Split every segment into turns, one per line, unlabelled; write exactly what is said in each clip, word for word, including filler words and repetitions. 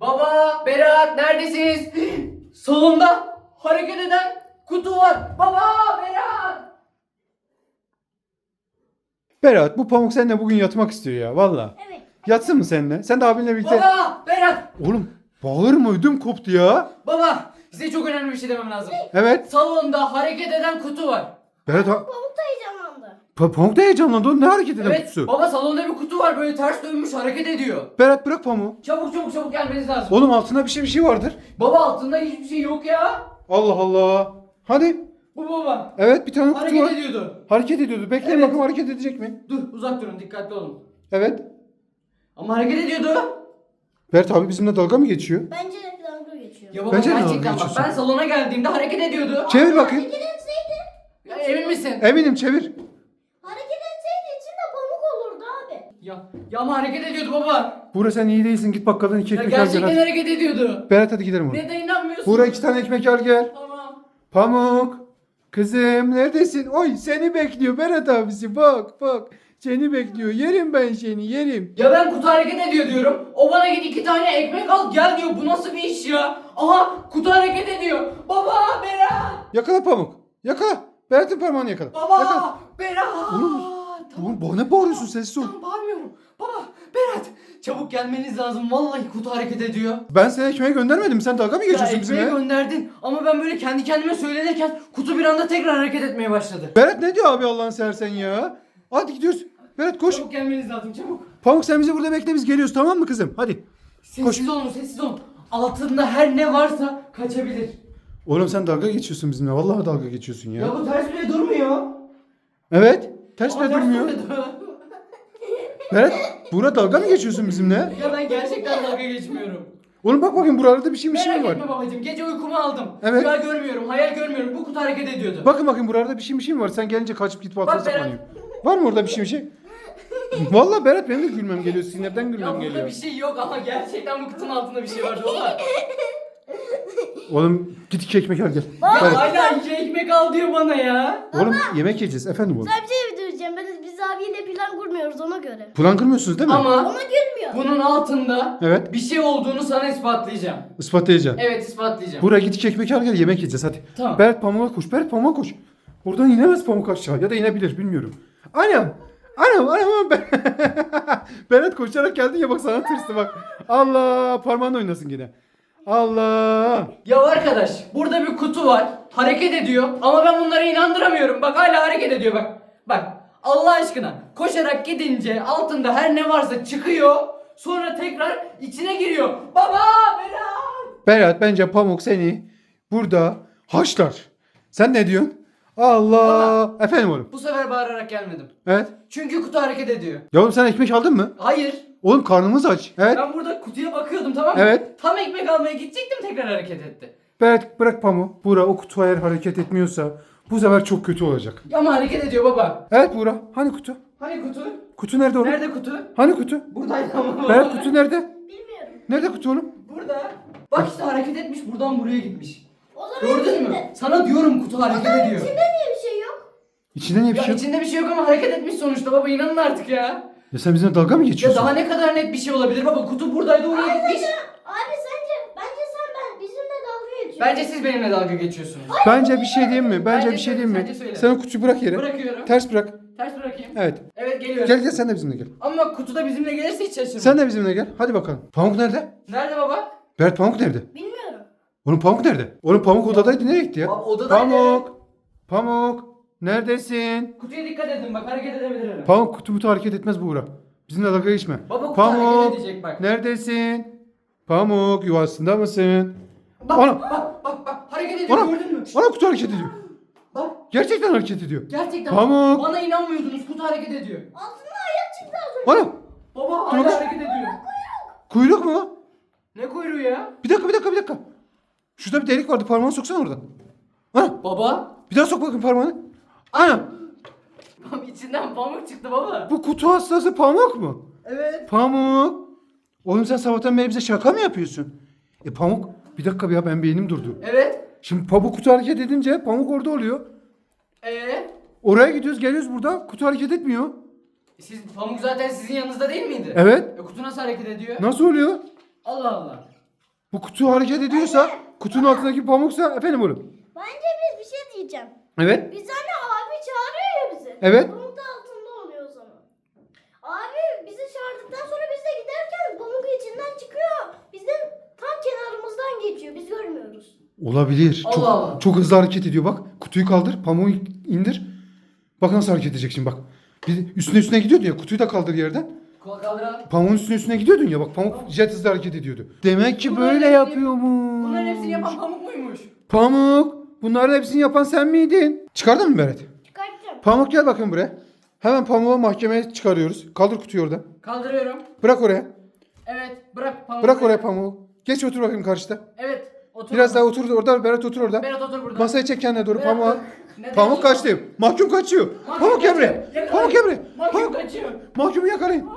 Baba, Berat neredesiniz? Salonda hareket eden kutu var. Baba, Berat.
Berat, bu Pamuk seninle bugün yatmak istiyor ya valla.
Evet.
Yatsın mı seninle? Sen de abinle birlikte.
Baba, Berat.
Oğlum bağırma, ödüm koptu ya.
Baba, size çok önemli bir şey demem lazım.
Evet.
Salonda hareket eden kutu var.
Berat, ha-
Pamuk da heyecanlandı.
Pa- Pamuk da heyecanlandı oğlum, ne hareket eden
Evet,
kutusu?
baba salonda bir kutu var böyle ters dönmüş hareket ediyor.
Berat bırak Pamuk.
Çabuk çabuk çabuk gelmeniz lazım.
Oğlum altında bir şey bir şey vardır.
Baba altında hiçbir şey yok ya.
Allah Allah. Hadi.
Bu baba.
Evet, bir tane kutu
Hareket
var.
ediyordu.
Hareket ediyordu. Bekleyin
Evet.
bakalım hareket edecek mi?
Dur uzak durun dikkatli olun.
Evet.
Ama hareket ediyordu.
Berat abi bizimle dalga mı geçiyor?
Bence dalga geçiyor.
Ya baba
Bence de dalga
gerçekten bak
geçiyorsun.
ben salona geldiğimde hareket ediyordu.
Çevir bakayım.
Hareket etseydi,
Ya, emin misin?
Eminim, çevir.
hareket etseydi içinde pamuk olurdu abi.
Ya, ya ama hareket ediyordu baba.
Buğra sen iyi değilsin, git bakkaldan iki
Ya
ekmek al gel
gerçekten
hadi.
hareket ediyordu.
Berat hadi gidelim oraya.
Neden inanmıyorsun?
Buğra iki tane ekmek al gel.
Tamam.
Pamuk. Kızım neredesin? Oy seni bekliyor Berat abisi, bak bak. Seni bekliyor. Yerim ben seni, yerim.
Ya ben kutu hareket ediyor diyorum. O bana git iki tane ekmek al gel diyor. Bu nasıl bir iş ya? Aha kutu hareket ediyor. Baba Berat.
Yakala Pamuk. Yakala. Berat'ın parmağını yakala.
Baba
Yakala.
Berat.
Oğlum,
Tamam.
Oğlum bana bağırıyorsun, sessiz ol.
Tamam bağırmıyorum. Baba Berat. Çabuk gelmeniz lazım. Vallahi kutu hareket ediyor.
Ben seni ekmeğe göndermedim. Sen dalga mı
Ya
geçiyorsun
ekmeği
bizimle?
gönderdin ama ben böyle kendi kendime söylenirken kutu bir anda tekrar hareket etmeye başladı.
Berat ne diyor abi Allah'ını seversen ya? Hadi gidiyoruz. Berat koş.
Çabuk gelmeniz lazım çabuk.
Pamuk sen bizi burada bekle, biz geliyoruz, tamam mı kızım? Hadi.
Sessiz olun sessiz olun. Altında her ne varsa kaçabilir.
Oğlum sen dalga geçiyorsun bizimle. Vallahi dalga geçiyorsun ya.
Ya bu ters bile durmuyor.
Evet. Ters
Ama
bile
ters
durmuyor.
durmuyor.
Berat, Buğra dalga mı geçiyorsun bizimle?
Ya ben gerçekten dalga geçmiyorum.
Oğlum bak bakayım, buralarda bir şey bir şey
Merak
mi var?
etme babacığım. Gece uykumu aldım.
Evet.
Rüya görmüyorum, hayal görmüyorum. Bu kutu hareket ediyordu.
Bakın bakayım, buralarda bir şey bir şey mi var? Sen gelince kaçıp gidip altına
Bak Berat.
saklanıyor. Var mı orada bir şey bir şey? Vallahi Berat, benim de gülmem geliyor. Sinirden
Ya
gülmem
burada
geliyor.
bir şey yok ama gerçekten bu kutunun altında bir şey var baba.
Oğlum git iki ekmek al gel.
Ya
Berat.
hala iki ekmek al diyor bana ya.
Oğlum yemek yiyeceğiz efendim oğlum.
Sana bir şey diyeceğim. Ben, biz abiyle plan kurmuyoruz ona göre.
Plan kırmıyorsunuz değil mi?
Ama
Ona gülmüyor.
bunun altında
Evet.
bir şey olduğunu sana ispatlayacağım.
Ispatlayacağım.
Evet ispatlayacağım.
Buraya git iki ekmek al gel, yemek yiyeceğiz hadi.
Tamam.
Berat pamuğa koş. Berat pamuğa koş. Buradan inemez pamuk aşağı, ya da inebilir bilmiyorum. Anam. Anam anam ben. Berat koşarak geldin ya, bak sana tırstı bak. Allah, parmağınla oynasın yine. Allah.
Ya arkadaş burada bir kutu var. Hareket ediyor ama ben bunlara inandıramıyorum. Bak hala hareket ediyor bak. Bak Allah aşkına koşarak gidince altında her ne varsa çıkıyor. Sonra tekrar içine giriyor. Baba Berat.
Berat, bence pamuk seni burada haşlar. Sen ne diyorsun? Allah. Efendim oğlum.
Bu sefer bağırarak gelmedim.
Evet.
Çünkü kutu hareket ediyor.
Ya oğlum sen ekmek aldın mı?
Hayır.
Oğlum karnımız aç. Evet.
Ben burada kutuya bakıyordum tamam mı?
Evet.
Tam ekmek almaya gidecektim tekrar hareket etti.
Berat bırak pamuğu. Buğra o kutu eğer hareket etmiyorsa bu sefer çok kötü olacak.
Ama hareket ediyor baba.
Evet Buğra. Hani kutu?
Hani kutu?
Kutu nerede oğlum?
Nerede kutu?
Hani kutu?
Buradaydı ama.
Berat kutu nerede?
Bilmiyorum.
Nerede kutu oğlum?
Burada. Bak işte hareket etmiş buradan buraya gitmiş.
O zaman
Gördün mü?
içinde-
Sana diyorum kutu hareket ediyor.
İçinde niye bir şey yok?
İçinde niye bir
Ya
şey yok?
içinde bir şey yok ama hareket etmiş sonuçta baba inanın artık ya.
Ya sen bizimle dalga mı
Ya
geçiyorsun?
daha ne kadar net bir şey olabilir baba kutu buradaydı oraya gitmiş.
Abi sence, bence sen ben bizimle dalga geçiyorsun.
Bence siz benimle dalga geçiyorsunuz.
Bence bir şey diyeyim mi? Bence
Bence
bir şey
söyle,
diyeyim mi?
bence söyle.
Sen o kutuyu bırak yere.
Bırakıyorum.
Ters bırak.
Ters bırakayım.
Evet.
Evet geliyorum.
Gel gel sen de bizimle gel.
Ama bak kutuda bizimle gelirse hiç şaşırmam.
Sen de bizimle gel. Hadi bakalım. Pamuk nerede?
Nerede baba?
Berat pamuk nerede?
Bilmiyorum.
Oğlum pamuk nerede? Oğlum pamuk odadaydı, nereye gitti ya?
Baba, odadaydı.
Pamuk. Pamuk. Neredesin?
Kutuya dikkat edin bak hareket edebilir herhalde.
Pamuk kutu mutu hareket etmez Buğra. Bizimle dalga geçme.
Baba kutu
Pamuk.
hareket edecek bak.
Neredesin? Pamuk yuvasında mısın?
Bak
Ana.
bak bak bak hareket ediyor
Ana.
gördün mü?
Ana kutu hareket ediyor.
Bak
Gerçekten hareket ediyor.
gerçekten
Pamuk.
bana inanmıyordunuz kutu hareket ediyor.
Altında ayak çıktı az önce.
Ana
Baba
Dur
hala
bak.
hareket ediyor.
kuyruk mu?
Ne kuyruğu ya?
Bir dakika bir dakika bir dakika. Şurada bir delik vardı, parmağını soksana oradan. Ana
Baba.
bir daha sok bakayım parmağını. Ana
Baba içinden pamuk çıktı baba.
bu kutu hastası Pamuk mu?
Evet.
Pamuk. Oğlum sen sabahtan beri bize şaka mı yapıyorsun? E Pamuk bir dakika ya, ben beynim durdu.
Evet.
Şimdi Pamuk kutu hareket edince Pamuk orada oluyor.
Ee,
Oraya gidiyoruz geliyoruz, burada kutu hareket etmiyor.
siz pamuk zaten sizin yanınızda değil miydi?
Evet.
E, kutu nasıl hareket ediyor?
Nasıl oluyor?
Allah Allah.
Bu kutu hareket ediyorsa, kutunun altındaki pamuksa efendim oğlum.
Bence biz bir şey diyeceğim.
Evet.
Biz hani abi çağırıyor ya bizi.
Evet.
Pamuk da altında oluyor o zaman. Abi bizi çağırdıktan sonra biz de giderken pamuk içinden çıkıyor. Bizim tam kenarımızdan geçiyor. Biz görmüyoruz.
Olabilir.
Allah
çok,
Allah.
çok hızlı hareket ediyor bak. Kutuyu kaldır, pamuğu indir. Bak nasıl hareket edecek şimdi bak. Bir üstüne üstüne gidiyordu ya, kutuyu da kaldır yerden.
Kol kaldıralım.
Pamuğun üstüne üstüne gidiyordun ya bak, pamuk jet hızlı hareket ediyordu. Demek ki
Bunların
böyle
hepsini-
yapıyormuş.
Bunların hepsini yapan Pamuk muymuş?
Pamuk. Bunların hepsini yapan sen miydin? Çıkardın mı Berat?
Çıkartacağım.
Pamuk gel bakayım buraya. Hemen pamuğu mahkemeye çıkarıyoruz. Kaldır kutuyu oradan.
Kaldırıyorum.
Bırak oraya.
Evet bırak Pamuk.
Bırak oraya pamuğu. Geç otur bakayım karşıda.
Evet. Otur.
Biraz daha otur orada. Berat otur orada.
Berat otur burada.
Masaya çek kendine doğru
Berat,
pamuğu al.
neden
Pamuk
otur?
kaçtı. Mahkum kaçıyor.
Mahkum
Pamuk gel
kaçıyor.
buraya.
Yakalayın.
Pamuk gel buraya.
Mahkum
Pamuk.
kaçıyor.
Mahkumu yakalayın.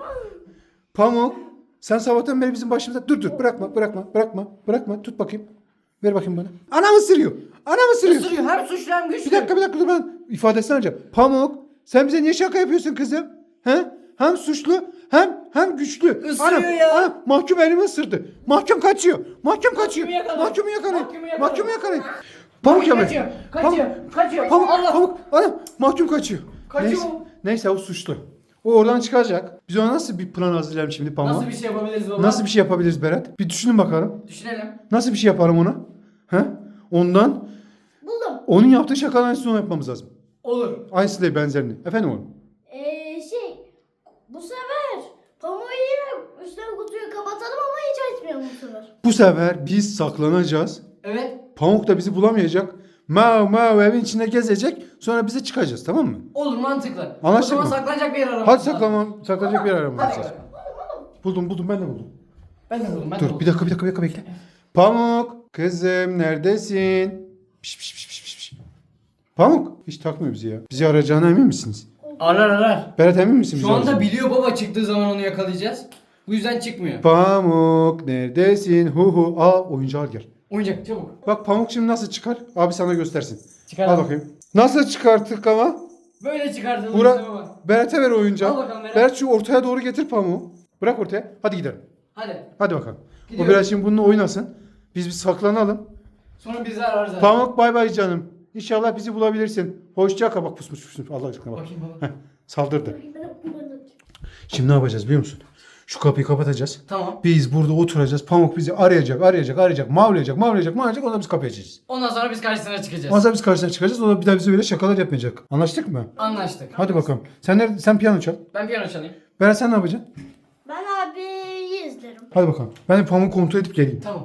Pamuk. Sen sabahtan beri bizim başımıza. Dur dur bırakma bırakma bırakma. Bırakma tut bakayım. Ver bakayım bana. Anam ısırıyor. Anam ısırıyor.
Isırıyor. Hem suçlu hem güçlü.
Bir dakika bir dakika dur ben ifadesini alacağım. Pamuk sen bize niye şaka yapıyorsun kızım? He? Hem suçlu hem hem güçlü.
Isırıyor ya.
Anam, mahkum elimi ısırdı. Mahkum kaçıyor. Mahkum kaçıyor.
yakalayın.
Mahkumu yakalayın.
Mahkumu yakalayın.
Mahkumu yakalayın. Pamuk
Kaçıyor.
yakalayın.
Kaçıyor.
Pamuk-
Kaçıyor.
Pamuk,
Allah.
pamuk, anam mahkum kaçıyor.
Kaçıyor.
Neyse, neyse o suçlu. O oradan çıkacak. Biz ona nasıl bir plan hazırlayalım şimdi Pamuk?
Nasıl bir şey yapabiliriz baba?
Nasıl bir şey yapabiliriz Berat? Bir düşünün bakalım.
Düşünelim.
Nasıl bir şey yaparım ona? He? Ondan
Buldum.
onun yaptığı şakadan aynısını yapmamız lazım.
Olur.
Aynısı değil benzerini. Efendim oğlum.
Ee, şey bu sefer pamuğu yine üstüne kutuyu kapatalım ama hiç açmayalım bu sefer.
Bu sefer biz saklanacağız.
Evet.
Pamuk da bizi bulamayacak. Mav mav evin içinde gezecek. Sonra bize çıkacağız tamam mı?
Olur mantıklı.
Anlaştık
o zaman
mı?
saklanacak bir yer aramamız
Hadi
lazım.
saklanmam, saklanacak bir yer aramamız
Hadi
lazım.
bakalım.
Buldum buldum ben de buldum.
Ben de buldum. Ben de
Dur
buldum.
bir dakika bir dakika bir dakika bekle. Pamuk kızım neredesin? Piş, piş, piş, piş, piş. Pamuk hiç takmıyor bizi ya. Bizi arayacağına emin misiniz?
Arar arar.
Berat emin misin bizi
Şu anda
arayacağına?
biliyor baba çıktığı zaman onu yakalayacağız. Bu yüzden çıkmıyor.
Pamuk neredesin? Hu hu. Aa oyuncağı al gel.
Oyuncak çabuk.
Bak Pamuk şimdi nasıl çıkar? Abi sana göstersin.
Çıkar.
Al bakayım. Nasıl çıkarttık ama?
Böyle çıkartılır işte
Bura,
baba.
Berat'e ver oyuncağı.
Al bakalım Berat.
Berat şu ortaya doğru getir pamuğu. Bırak ortaya. Hadi gidelim.
Hadi.
Hadi bakalım. O
Gidiyorum.
biraz şimdi bununla oynasın. Biz bir saklanalım.
Sonra bizi ararız abi.
Pamuk bay bay canım. İnşallah bizi bulabilirsin. Hoşça kal. Bak pusmuş pusmuş. Allah aşkına bak.
Bakayım baba.
Heh, saldırdı.
Ben- ben- ben-
Şimdi ne yapacağız biliyor musun? Şu kapıyı kapatacağız.
Tamam.
Biz burada oturacağız. Pamuk bizi arayacak, arayacak, arayacak, mavlayacak, mavlayacak, mavlayacak. Ondan biz kapıyı açacağız.
Ondan sonra biz karşısına çıkacağız.
Ondan sonra biz karşısına çıkacağız. O da bir daha bize böyle şakalar yapmayacak. Anlaştık mı?
Anlaştık.
Hadi bakalım. Sen nerede? Sen piyano çal.
Ben piyano çalayım.
Berat sen ne yapacaksın?
Ben abiyi izlerim.
Hadi bakalım. Ben de Pamuk'u kontrol edip geleyim.
Tamam.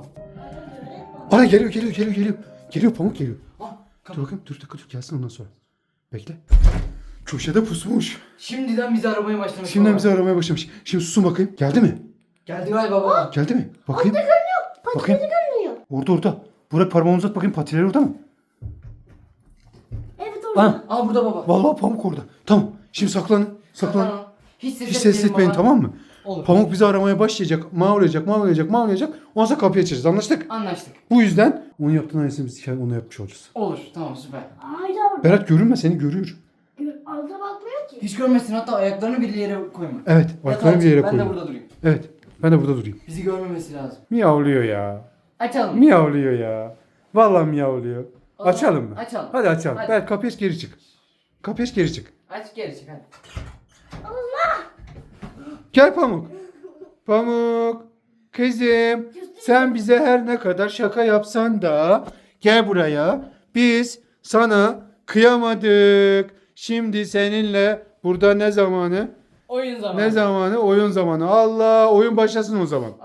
Ana geliyor, geliyor, geliyor, geliyor. Geliyor Pamuk geliyor.
Ah,
Dur
kapı.
bakayım. Dur dakika dur gelsin ondan sonra. Bekle. Köşede pusmuş.
Şimdiden bizi aramaya başlamış.
Şimdiden
baba.
bizi aramaya başlamış. Şimdi susun bakayım. Geldi mi?
Geldi galiba baba.
Geldi mi? Bakayım.
Patileri
Bakayım.
görünüyor.
Orada orada. Buraya parmağını uzat bakayım, patileri orada mı?
Evet orada.
Ha.
Aa burada baba.
Vallahi Pamuk orada. Tamam. Şimdi saklanın. Saklanın.
Tamam. Hiç ses,
Hiç ses etmeyin
baba.
tamam mı?
Olur.
Pamuk bizi aramaya başlayacak. Mavlayacak, mavlayacak, mavlayacak. Ondan sonra kapıyı açacağız. Anlaştık?
Anlaştık.
Bu yüzden onun yaptığın aynısını biz onu yapmış olacağız.
Olur. Tamam süper.
Hayır orada.
Berat görünme, seni görüyor.
Gör- Alta bakmıyor ki.
Hiç görmesin, hatta ayaklarını bir yere koyma.
Evet. Ayaklarını bir yere
Ben de
koyuyor.
burada durayım.
Evet. Ben de burada durayım.
Bizi görmemesi lazım.
Miyavlıyor ya.
Açalım.
Miyavlıyor ya. Vallahi miyavlıyor.
O zaman
Açalım mı?
açalım.
Hadi açalım.
Hadi.
Berat kapıyı aç geri çık. Kapıyı aç geri çık.
Aç geri çık hadi.
Gel Pamuk. Pamuk. Kızım. Sen bize her ne kadar şaka yapsan da gel buraya. Biz sana kıyamadık. Şimdi seninle burada ne zamanı?
Oyun zamanı.
Ne zamanı? Oyun zamanı. Allah oyun başlasın o zaman.